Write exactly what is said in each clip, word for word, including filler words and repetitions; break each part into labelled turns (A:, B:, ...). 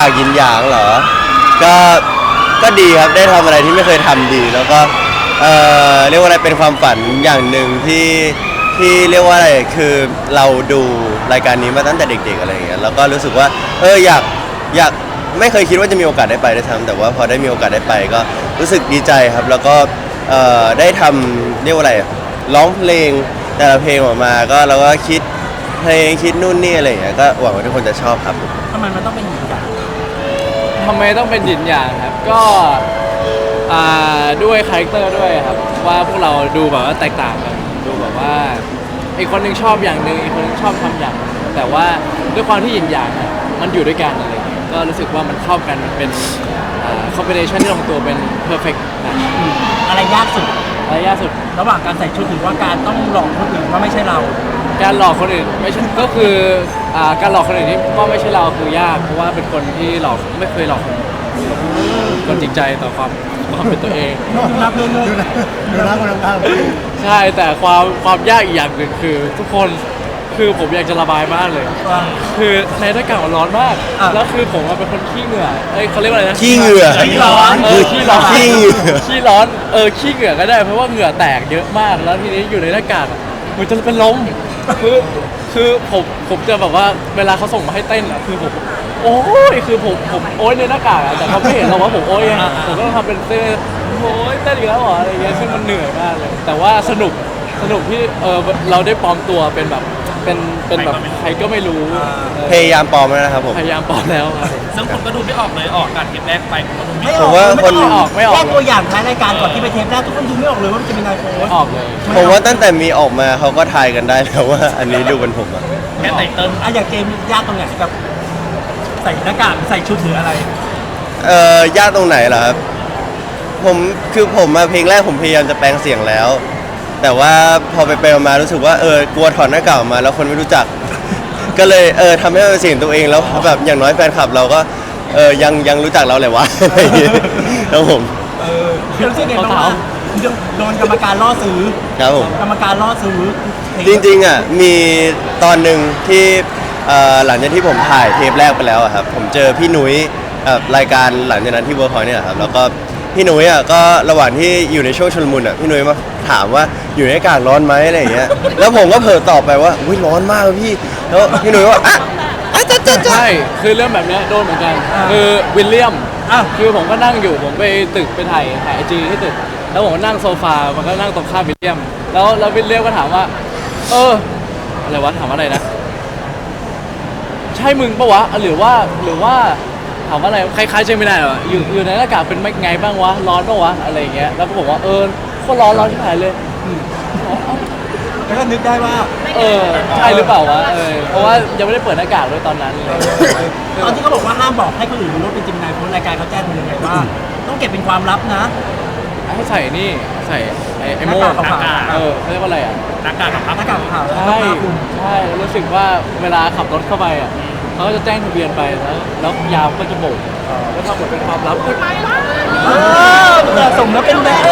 A: อยากยินหยางเหรอก็ก็ดีครับได้ทำอะไรที่ไม่เคยทำดีแล้วก็เอ่อเรียกว่าอะไรเป็นความฝันอย่างหนึ่งที่ที่เรียกว่าอะไรคือเราดูรายการนี้มาตั้งแต่เด็กๆอะไรอย่างเงี้ยแล้วก็รู้สึกว่าเอออยากอยากไม่เคยคิดว่าจะมีโอกาสได้ไปได้ทำแต่ว่าพอได้มีโอกาสได้ไปก็รู้สึกดีใจครับแล้วก็เอ่อได้ทำเรียกว่าอะไรร้องเพลงแต่ละเพลงออกมาก็เราก็คิดเพลงคิดนู่นนี่อะไรอย่างเงี้ยก็หวังว่าทุกคนจะชอบครับ
B: ทำไมมันต้องเป็นหญิงหยาง
C: ทำไมต้องเป็นหยินหยางครับก็อ่าด้วยคาแรคเตอร์ด้วยครับว่าพวกเราดูแบบว่าแตกต่างกันดูแบบว่าอีกคนหนึงชอบอย่างหนึ่งอีกคนหนึงชอบทำอย่างแต่ว่าด้วยความที่หยินหยางอะมันอยู่ด้วยกันอะไรอย่างเงี้ยก็รู้สึกว่ามันเข้ากันมันเป็นคอมบิเนชันที่ลงตัวเป็นเพอร์เฟกต์นะ
B: อะไรยากสุด
C: อะไรยากสุด
B: ระหว่างการใส่ชุดหรือว่าการต้องหลอกคนอื่นว่าไม่ใช่เรา
C: การหลอกคนอื่นไม่ใช่ก็คืออ่าการหลอกคนอื่นที่ก็ไม่ใช่เราคือยากเพราะว่าเป็นคนที่หลอกไม่เคยหลอกคนจริงใจต่อความความเป็นตัวเอง
B: ดูนะเพื่อนดูนะ
D: ดูนะคนข้าง
C: ใช่แต่ความความยากอีกอย่างหนึ่งคือทุกคนคือผมอยากจะระบายมากเลยคือในอากาศมันร้อนมากแล้วคือผมเป็นคนขี้เหงื่อเอ้ยเขาเรียกว่าอะไรนะ
A: ขี้เหงื่อ
B: ขี้ร้อน
C: เออขี้ร้อน
A: ขี้เหงื่อ
C: ขี้ร้อนเออขี้เหงื่อก็ได้เพราะว่าเหงื่อแตกเยอะมากแล้วทีนี้อยู่ในอากาศมันจะเป็นลมคือคือผมผมจะแบบว่าเวลาเขาส่งมาให้เต้นอ่ะคือผมโอ้ยคือผมผมโอ้ยในหน้ากากอ่ะแต่เขาไม่เห็นหรอกว่าผมโอ้ยไงผมก็ต้องทำเป็นเต้นโอ้ยเต้นอีกแล้วเหรออะไรเงี้ยซึ่งมันเหนื่อยมากเลยแต่ว่าสนุกสนุกที่เออเราได้ปลอมตัวเป็นแบบเป็นเป็นแบบใครก็ไม่รู้
A: พยายามปลอมแล้วนะครับผม
C: พยายามปลอมแล้ว
E: ซึ่งผมก็ดูไม่ออกเลยออกการเทปแรกไปผมก็ดูไม่ออก
A: ผมว่าคน
C: ไม่ออกไม่ออก
B: แค่ตัวอย่างท้ายรายการก่อนที่ไปเทปแรกทุกคนดูไม่ออกเลยว่ามันจะมีนายโค้
C: ชออกเลย
A: ผมว่าตั้งแต่มีออกมาเขาก็ทายกันได้แล้วว่าอันนี้ดูเป็นผมอะ
E: แค่ไตเติ้ล
B: อ่ะอย่างเกมยากตรงไหนกับใส่หน้ากากใส่ชุดหรืออะไร
A: เอ่อยากตรงไหนเหรอครับผมคือผมมาเพลงแรกผมพยายามจะแปลงเสียงแล้วแต่ว่าพอไปไปมารู้สึกว่าเออกลัวถอดหน้ากากออกมาแล้วคนไม่รู้จักก็เลยเออทำให้มันเป็นเสียงตัวเองแล้วแบบอย่างน้อยแฟนคลับเราก็เออยังยังรู้จักเราเลยวะอะไรอย่างเงี้ยครับผม
B: เออรู้สึกไงบ้างว่าโดนกรรมการล่อซื้อ
A: ครับผม
B: กรรมการล่อซื้อ
A: จริงๆอ่ะมีตอนหนึ่งที่หลังจากที่ผมถ่ายเทปแรกไปแล้วครับผมเจอพี่นุ้ยรายการหลังจากนั้นที่เวิร์คพอยต์เนี่ยครับแล้วก็พี่นุ้ยอ่ะก็ระหว่างที่อยู่ในช่วงชุลมุนอ่ะพี่นุ้ยมาถามว่าอยู่ในอากาศร้อนไหมอะไรอย่างเงี้ยแล้วผมก็เผลอตอบไปว่าอุ้ยร้อนมากพี่แล้วพี่นุ้ยว่าอ่ะอ่ะจ้าจ้า
C: ใช่คือเรื่องแบบนี้โดนเหมือนกันคือวิลเลียมคือผมก็นั่งอยู่ผมไปตึกไปถ่ายถ่ายไอจีที่ตึกแล้วผมก็นั่งโซฟามันก็นั่งตรงข้ามวิลเลียมแล้วแล้ววิลเลียมก็ถามว่าเอออะไรวะถามว่าอะไรนะใช่มึงปะวะหรือว่าหรือว่าถามว่าอะไรคล้ายๆใช่ไม่ได้หรออยู่อยู่ในอากาศเป็นไงบ้างวะร้อนปะวะอะไรอย่างเงี้ยแล้วก็บอกว่าเออโคตรร้อนร้อนที่ไหนเลย
B: แล้วก็นึกได้ว่า
C: เออใช่หรือเปล่าวะเออเพราะว่ายังไม่ได้เปิดหน้ากากเลยตอนนั้นเลย
B: ตอนที่เขาบอกว่าห้ามบอกให้คนอื่นรู้ว่าเป็นจิมนายเพราะรายการเขาแจ้งมายังไงว่าต้องเก็บเป็นความลับนะ
C: ให้ใส่นี่ใส่ไอ้โม่งเออเขาเรียกว่าอะไรอ่ะ
E: หน้ากากกับ
B: หน้ากากขาว
C: ใช่ใช่รู้สึกว่าเวลาขับรถเข้าไปอ่ะเขาก็จะแจ้งทะเบียนไปแล้วแล้วยาวก็จะโบกแล้วทำเหมือนเป็นความลับไปแล้ว
B: เออแต่สมแล้วเป็นแบบ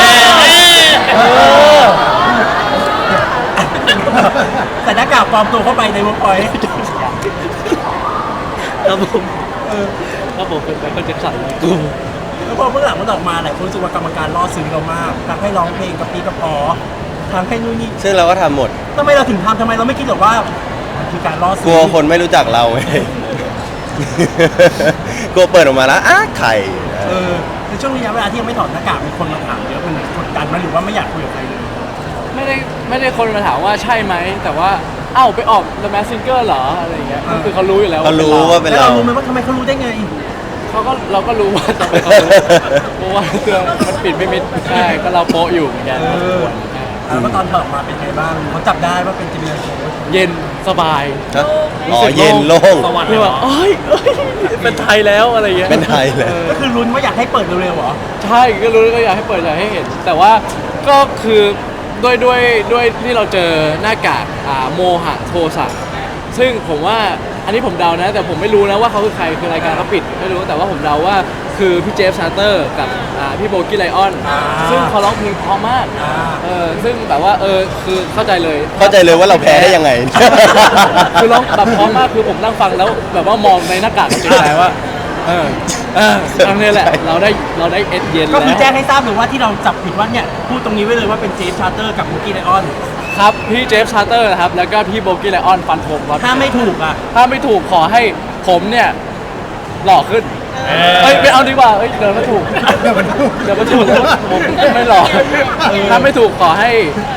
B: ใส่หน้ากากปลอมตัวเข้าไปในวงพอย
C: ครับผมเออครับผมเป็นแบบก็จะสั่นเลยกู
B: แล้วพอเมื่อหลังมันออกมาหลายคนรู้สึกว่ากรรมการล่อซื้อเรามากทั้งให้ร้องเพลงกับปีกับพอทั้งให้นู่นนี่
A: ซึ่งเราก็ทำหมด
B: ทำไมเราถึงทำทำไมเราไม่คิดหรอกว่าคือการล่อซื้อก
A: ลัวคนไม่รู้จักเราไงกลัวเปิดออกมาแล้วอ้าไข่
B: เออในช่วงระยะเวลาที่ยังไม่ถอดหน้ากากมีคนมาถามเยอะมันกดดันไหมหรือว่าไม่อยากคุยกับใครเลย
C: ไม่ได้ไม่ได้คนมาถามว่าใช่ไหมแต่ว่าเอ้าไปออก The Masked Singer เหรออะไรอย่างเงี้ยคือเขารู้อยู่แล้ว
A: เขารู้ว่าเป็นเรา
B: เรารู้ไหมว่าทำไมเขารู้ได้ไง
C: เขาก็เราก็รู้ว่าทำไมเขารู้เพราะว่าเสื้อมันปิดไม่มิดใช่ก็เราโป๊ะอยู่เหมือนกัน
B: แล้วก็ตอนเปิดมาเป็นไงบ้างเขาจับได้ว่าเป็นจิมมี่
C: เย็นสบาย
A: อ๋อเย็นโล่ง
C: คือแบบเอ้ยเป็นไทยแล้วอะไรเงี้ย
A: เป็นไทยแล้ว
B: ก็คือลุ้นว่าอยากให้เปิดเร็วๆเหรอ
C: ใช่ก็รู้ก็อยากให้เปิดอยากให้เห็นแต่ว่าก็คือด้วยด้วยด้วยที่เราเจอหน้ากากอ่าโมหะโทสะซึ่งผมว่าอันนี้ผมเดานะแต่ผมไม่รู้นะว่าเขาคือใครคือรายการเขาปิดไม่รู้แต่ว่าผมเดาว่าคือพี่เจฟซาร์เตอร์กับพี่โบกี้ไลออนซึ่งเขาร้องเพลงเพราะมากเออซึ่งแบบว่าเออคือเข้าใจเลย
A: เข้าใจเลยว่าเราแพ้ได้ยังไง
C: คือร้องแบบเพราะมากคือผมนั่งฟังแล้วแบบว่ามองในหน้ากากจริงๆว่าเออเออครั้งนี้แหละ เราได้เราได้เอ็ดเย็น
B: ก็
C: แล้ว
B: คือแจ้งให้ทราบเลยว่าที่เราจับผิดว่าเนี่ยพูดตรงนี้ไว้เลยว่าเป็นเจฟชาร์เตอร์กับมุกี้ไลออน
C: ครับพี่เจฟชาร์เตอร์นะครับแล้วก็พี่โบกี้ไลออนฟันธงครับ
B: ถ้าไม่ถูกอ่ะ
C: ถ้าไม่ถูกขอให้ผมเนี่ยหล่อขึ้นเอ้ยไม่เอาดีกว่าเอ้ยเดี๋ยวมาถูกเดี๋ยวมาถูกเดี๋ยวมาถูกผมไม่หล่อถ้าไม่ถูกขอให้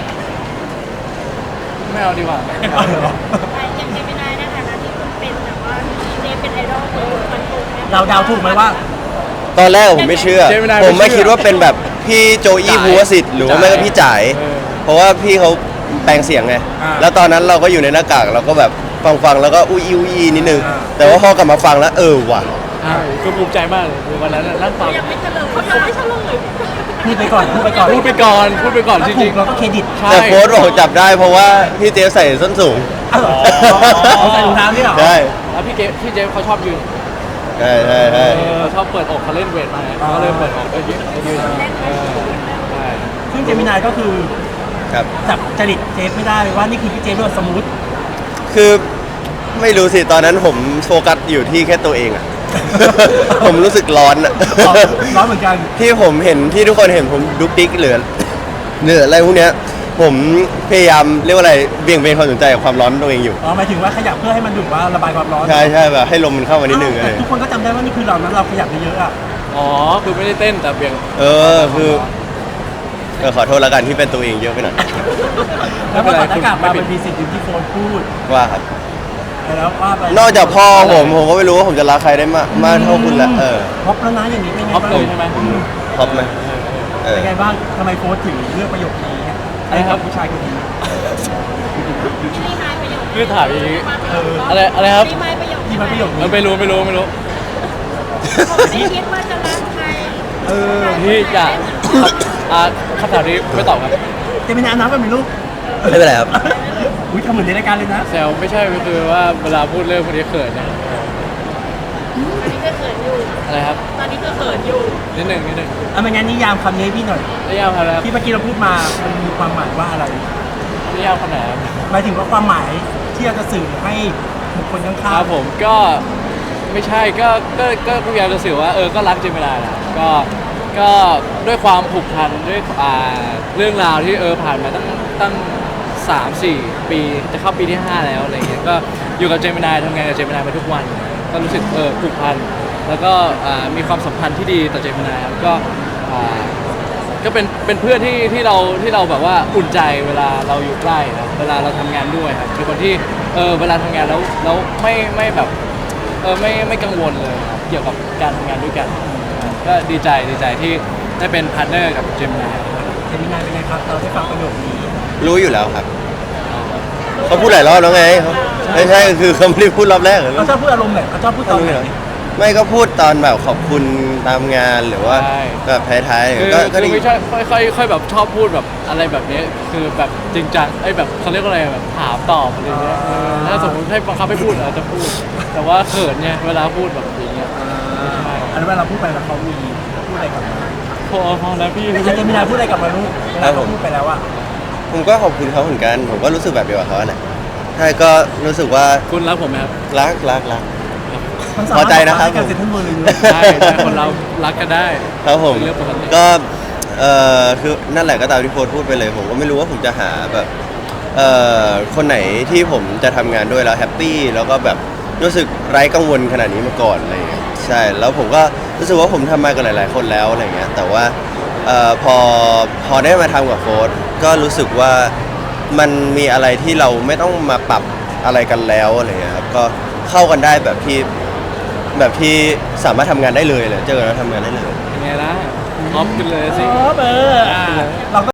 C: ไม่เอาดีกว่า
D: อย่างเจมินายในฐานะที่คุณเป็นแบบว่าเจเป็นไอดอลคุณฟันธงไหม
B: เราเดาถูกไหมว่า
A: ตอนแรกผมไม่เชื่อ
C: เจมินาย
A: ผมไม่
C: ไม่เชื่อ
A: คิดว่าเป็นแบบพี่โจอี้
C: จ่าย
A: ภูวสิทธิ์หรือว่าไม่ก็พี่จ่าย
C: เออ
A: เพราะว่าพี่เขาแปลงเสียงไง
B: อ่า
A: แล้วตอนนั้นเราก็อยู่ในหน้ากากเราก็แบบฟังฟังๆแล้วก็อุ้ยอุ้ยนิดนึง
B: อ่า
A: แต่ว่าพอกลับมาฟังแล้วเออว่ะ
C: อ่าก็ภูมิใจมากเลยคือวันนั้นน่ะนั่งฟัง
D: ยังไม่เฉลยเขายังไม่เฉลย
B: พูดไปก่อนพูดไปก่อน
C: พูดไปก่อนพูดไปก่อนจ
B: ถ้า
C: ริ
B: ถู
C: ง
B: กเราก็เครดิต
C: ๆใช่
A: แต่โค้ดบอกจับได้เพราะว่าพี่เจฟใส่ส้นสูง
B: อ้าวเหรอเอาใส่รองเท้านี่เหรอ
A: ใช่
C: แล้วพี่เจฟพี่เจฟเขาชอบยืน
A: ใช่ใช่ใช่
C: เออชอบเปิดอกเขาเล่นเวทมาไงเขาเลยเปิดอกไปยืนไปยืนเออใช่
B: ซึ่งเจมินายก็คือ
A: ครับ
B: จับจริตเจฟไม่ได้ว่านี่คือพี่เจฟด้วยสมูท
A: คือไม่รู้สิตอนนั้นผมโฟกัสอยู่ที่แค่ตัวเองอะ ผมรู้สึกร้อนอะ
B: ร้อนเหมือนกัน
A: ที่ผมเห็นที่ทุกคนเห็นผมดุกดิกเหลือเหลืออะไรพวกเนี้ยผมพยายามเรียกว่าอะไรเบี่ยงเบนความสนใจกับความร้อนตัวเองอยู่
B: อ๋อหมายถึงว่าขยับเพื่อให้มันดูดว่าระบายความร้อน
A: ใช่ใช่แบบให้ลมมันเข้ามานิดนึงอะไร
B: แต่ทุกคนก็จำได้ว่านี่คือเรานั้นเราขยับเยอะๆอ่ะ
C: อ๋อคือไม่ได้เต้นแต่เบี่ยง
A: เออคือเออขอโทษแล้วกันที่เป็นตัวเองเยอะไปหน่อย
B: แล้วพอถอดหน้ากากมามันมีสิ่งหนึ่งที่โฟนพูด
A: ว่าครับ
B: แล้วว่าไป
A: นอกจากพ่อผมผมก็ไม่รู้ว่าผมจะรักใครได้มากมากเท่าคุณละเออ
B: พบแล้วนะอย่างนี้เป็นไง
C: ท็อป
B: บ้าง
C: เลยใช่ไหม
A: ท็อปไหมเออ
B: เป็นไงบ้างทำไมโฟนถึงเลือกประโยคนี้ไอ้ครับผู้ชายคนนี้
D: รีมายประโยค
C: คือถามอย่างนี้
B: เออ
C: อะไรอะไรครับ
D: รีมายประโยค
B: ที่มันประโยค
C: มั
B: นี้
C: นไม่รู้ไม่รู้ไม่รู้
D: ผมไม่ได้คิดว่าจะรักใคร
B: เออ
C: พี่อยากอ่าคำถามนี้ไม่ตอบครับ
B: เจมินายน้ำกันไหมลูก
A: ไม่เป็นไรครับ
B: อุ้ยทำเหมือนในรายการเลยนะ
C: แซวไม่ใช่ก็คือว่าเวลาพูดเรื่องพวกนี้เขินนะ
D: ตอนนี้ก็เขินอยู่
C: อะไรครับ
D: ตอนนี้ก็เขินอยู่
C: นิดหนึ่งนิดหนึ่ง
B: อ่ะไม่งั้นนิยามคำนี้ให้พี่หน่อย
C: นิยามอะไรครับ
B: ที่เมื่อกี้เราพูดมา มันมีความหมายว่าอะไร
C: นิยามคำไหนครับ
B: หมายถึงว่าความหมายที่เราจะสื่อให้บุคคลข้าง
C: ครับ
B: ๆ
C: ผมก็ไม่ใช่ก็ก็ก็พยายามจะสื่อว่าเออก็รักเจมินายแหละก็ก็ด้วยความผูกพันด้วยอ่าเรื่องราวที่เออผ่านมาตั้งตั้งสามสี่ปีจะเข้าปีที่ห้าแล้วอะไรเงี้ยก็อยู่กับเจมินายทำงานกับเจมินายมาทุกวัน ก็รู้สึกเออผูกพันแล้วก็อ่ามีความสัมพันธ์ที่ดีต่อเจมินายครับก็อ่าก็เป็นเป็นเพื่อนที่ที่เราที่เราแบบว่าอุ่นใจเวลาเราอยู่ใกล้นะเวลาเราทำงานด้วยครับเป็นคนที่เออเวลาทำงานแล้วแล้วไม่ไม่แบบ เออไม่ไม่กังวลเลยครับเกี่ยวกับการทำงานด้วยกัน ก็ดีใจดีใจที่ได้เป็นพาร์ทเนอร์กับเจมินาย
B: เจมินายเป็นไงครับ เราได้ฟังประโยคนี้
A: รู้อยู่แล้วครับเขาพูดหลายรอบแล้วไงเขาไม่ใช่คือเขาไม่ได้พูดรอบแรกหรือ
B: เขาชอบพูดอารมณ์ไหนเขาชอบพูดตอนไหน
A: ไม่ก็พูดตอนแบบขอบคุณตามงานหรือว่าแบบท้ายๆ
C: คือ
A: ก็ก็
C: คือ
A: ดี
C: ไม่ใช่ค่อยค่อยค่อยแบบชอบพูดแบบอะไรแบบนี้คือแบบจริงจังไอ้ยแบบเขาเรียกว่าอะไรแบบถามตอบอะไรเงี้ยเออถ้าสมมติให้บังคับให้พูดอาจจะพูด แต่ว่าเขินไงเวลาพูดแบบอย่างเงี้ย
B: อันนั้นเวลาเราพูดไปแล้วเขามีพูดอะไรกลับมา
C: พอพอแล้วพี่
B: เจมินายพูดอะไรกลับมาลูกเวลาเราพูดไปแล้วอะ
A: ผมก็ขอบคุณเขาเหมือนกัน ผมก็รู้สึกแบบเดียวกับเขาแหละใช่ก็รู้สึกว่า
C: คุณรักผมไหมครับ
A: รักรักรัก
B: มันสามารถ
A: พอใจนะครับ
B: การเซ็นทรัลเวิลด์เลย
C: ใช่ใช่คนเรารักกันได้
A: ครับผม
C: เป็นเรื่องปกติ
A: ก็เอ่อคือนั่นแหละก็ตามที่โพสต์พูดไปเลย ผมก็ไม่รู้ว่าผมจะหาแบบเอ่อคนไหนที่ผมจะทำงานด้วยแล้วแฮปปี้แล้วก็แบบรู้สึกไร้กังวลขนาดนี้มาก่อนอะไรอย่างเงี้ยใช่แล้วผมก็รู้สึกว่าผมทำมากับหลาย ๆ คนแล้วอะไรเงี้ยแต่ว่าเอ่อพอพอได้มาทำกับโค้ดก็รู้สึกว่ามันมีอะไรที่เราไม่ต้องมาปรับอะไรกันแล้วอะไรเงี้ยครับก็เข้ากันได้แบบที่แบบที่สามารถทำงานได้เลยเลยเจอกันแล้วทำงานได้เลย
C: เป็นไงล่ะพร้อมกันเลยสิ
B: อ๋อเบอร์อ่ะเราก็